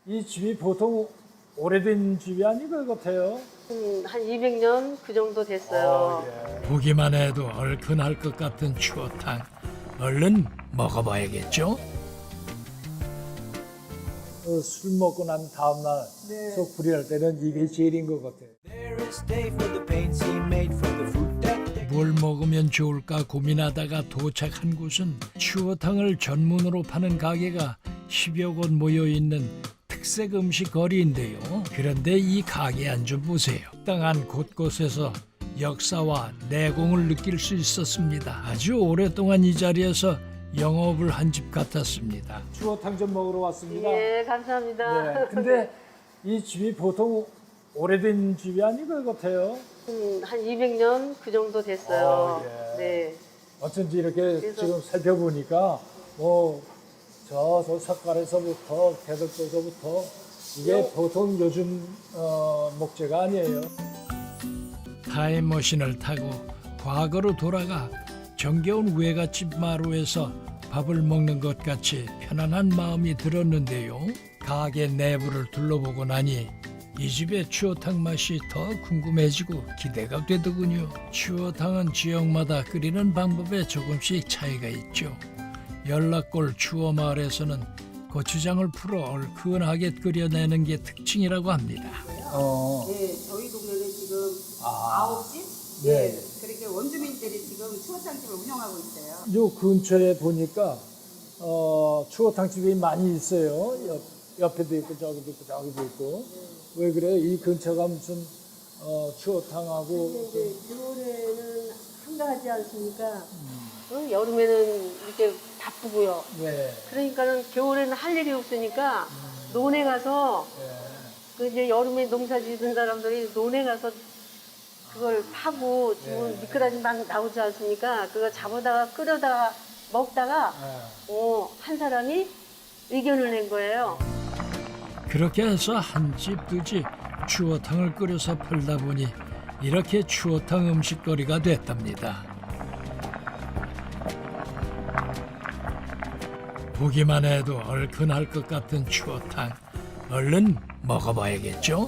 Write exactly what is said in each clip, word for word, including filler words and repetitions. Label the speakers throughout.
Speaker 1: 이 집이 보통 오래된 집이 아닌 것 같아요.
Speaker 2: 음, 한 이백 년 그 정도 됐어요.
Speaker 1: 어, 예.
Speaker 3: 보기만 해도 얼큰할 것 같은 추어탕. 얼른 먹어봐야겠죠?
Speaker 1: 어, 술 먹고 난 다음 날
Speaker 2: 네.
Speaker 1: 속 불이할 때는 이게 제일인 것 같아요.
Speaker 3: 뭘 먹으면 좋을까 고민하다가 도착한 곳은 추어탕을 전문으로 파는 가게가 십여 곳 모여있는 특색 음식 거리인데요. 그런데 이 가게 안 좀 보세요. 땅한 곳곳에서 역사와 내공을 느낄 수 있었습니다. 아주 오랫동안 이 자리에서 영업을 한 집 같았습니다.
Speaker 1: 추어탕 좀 먹으러 왔습니다.
Speaker 2: 예, 감사합니다.
Speaker 1: 네, 근데 이 집이 보통 오래된 집이 아닌 것 같아요.
Speaker 2: 음, 한 이백 년 그 정도 됐어요.
Speaker 1: 어, 예.
Speaker 2: 네.
Speaker 1: 어쩐지 이렇게
Speaker 2: 그래서-
Speaker 1: 지금 살펴보니까 뭐 저, 저 석가래서부터 대덕도서부터 이게 보통 요즘 어, 목재가 아니에요.
Speaker 3: 타임머신을 타고 과거로 돌아가 정겨운 외갓집 마루에서 밥을 먹는 것 같이 편안한 마음이 들었는데요. 가게 내부를 둘러보고 나니 이 집의 추어탕 맛이 더 궁금해지고 기대가 되더군요. 추어탕은 지역마다 끓이는 방법에 조금씩 차이가 있죠. 연락골 추어마을에서는 고추장을 풀어 얼큰하게 끓여내는 게 특징이라고 합니다.
Speaker 1: 어,
Speaker 4: 네, 저희 동네는 지금
Speaker 1: 아.
Speaker 4: 아홉 집?
Speaker 1: 네.
Speaker 4: 네. 그렇게 원주민들이 지금 추어탕집을 운영하고 있어요.
Speaker 1: 요 근처에 보니까 어, 추어탕집이 많이 있어요. 옆, 옆에도 있고 저기도 있고 저기도 있고. 왜 그래요? 이 근처가 무슨 어, 추어탕하고
Speaker 2: 근데 이제 겨울에는 한가하지 않습니까? 어, 여름에는 이렇게 바쁘고요.
Speaker 1: 네.
Speaker 2: 그러니까는 겨울에는 할 일이 없으니까 논에 가서
Speaker 1: 네.
Speaker 2: 그 이제 여름에 농사 짓는 사람들이 논에 가서 그걸 파고 지금
Speaker 1: 네.
Speaker 2: 미꾸라지 막 나오지 않습니까? 그거 잡아다가 끓여다가 먹다가
Speaker 1: 네.
Speaker 2: 어, 한 사람이 의견을 낸 거예요.
Speaker 3: 그렇게 해서 한 집, 두 집 추어탕을 끓여서 팔다 보니 이렇게 추어탕 음식거리가 됐답니다. 보기만 해도 얼큰할 것 같은 추어탕. 얼른 먹어봐야겠죠?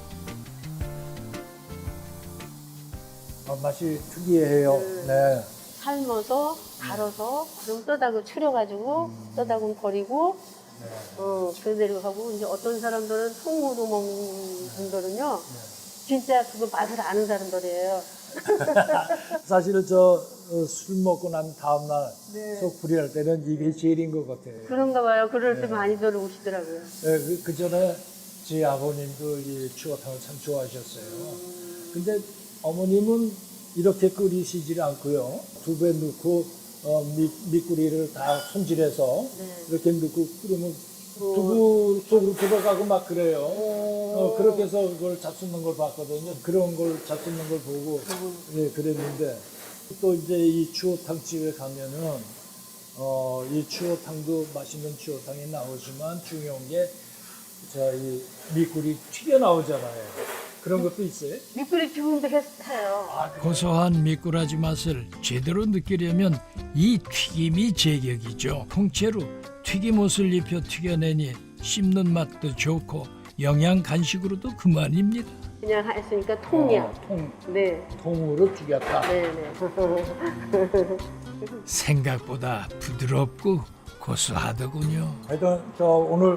Speaker 1: 어, 맛이 특이해요. 네.
Speaker 2: 삶아서 갈아서 좀 떠다가 추려가지고 떠다가 버리고 어 그대로 하고 이제 어떤 사람들은 통으로 먹는 분들은요 진짜 그거 맛을 아는 사람들이에요.
Speaker 1: 사실은 저 술 먹고 난 다음 날
Speaker 2: 네.
Speaker 1: 속 불이할 때는 이게 제일인 것 같아요.
Speaker 2: 그런가 봐요. 그럴 때 많이들 오시더라고요.
Speaker 1: 네, 그, 그 전에 제 아버님도 이 추어탕을 참 좋아하셨어요. 근데 어머님은 이렇게 끓이시질 않고요. 두부에 넣고 어, 미, 미꾸리를 다 손질해서
Speaker 2: 네.
Speaker 1: 이렇게 넣고 끓이면 두부 속으로 들어가고 막 그래요. 어, 그렇게 해서 그걸 잡수는 걸 봤거든요. 그런 걸 잡수는 걸 보고 예, 그랬는데 또 이제 이 추어탕 집에 가면은 어, 이 추어탕도 맛있는 추어탕이 나오지만 중요한 게 저희 미꾸리 튀겨 나오잖아요. 그런 것도 있어요?
Speaker 2: 미꾸리 튀김도 했- 해요.
Speaker 3: 고소한 미꾸라지 맛을 제대로 느끼려면 이 튀김이 제격이죠. 통째로 튀김옷을 입혀 튀겨내니 씹는 맛도 좋고 영양 간식으로도 그만입니다.
Speaker 2: 그냥 했으니까 통이야.
Speaker 1: 어, 통,
Speaker 2: 네,
Speaker 1: 통으로 튀겼다.
Speaker 2: 네, 네.
Speaker 3: 생각보다 부드럽고 고소하더군요.
Speaker 1: 하여튼 저 오늘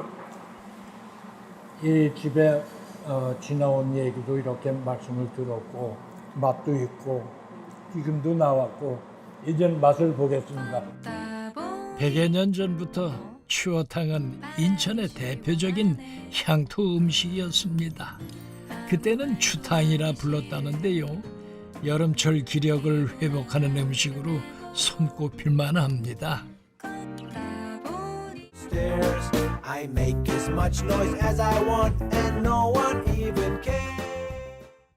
Speaker 1: 이 집에 어, 지나온 얘기도 이렇게 말씀을 들었고 맛도 있고 튀김도 나왔고 이제 맛을 보겠습니다.
Speaker 3: 백여 년 전부터 추어탕은 인천의 대표적인 향토 음식이었습니다. 그때는 추탕이라 불렀다는데요. 여름철 기력을 회복하는 음식으로 손꼽힐 만합니다.
Speaker 5: I make as much noise as I want and no one even cares.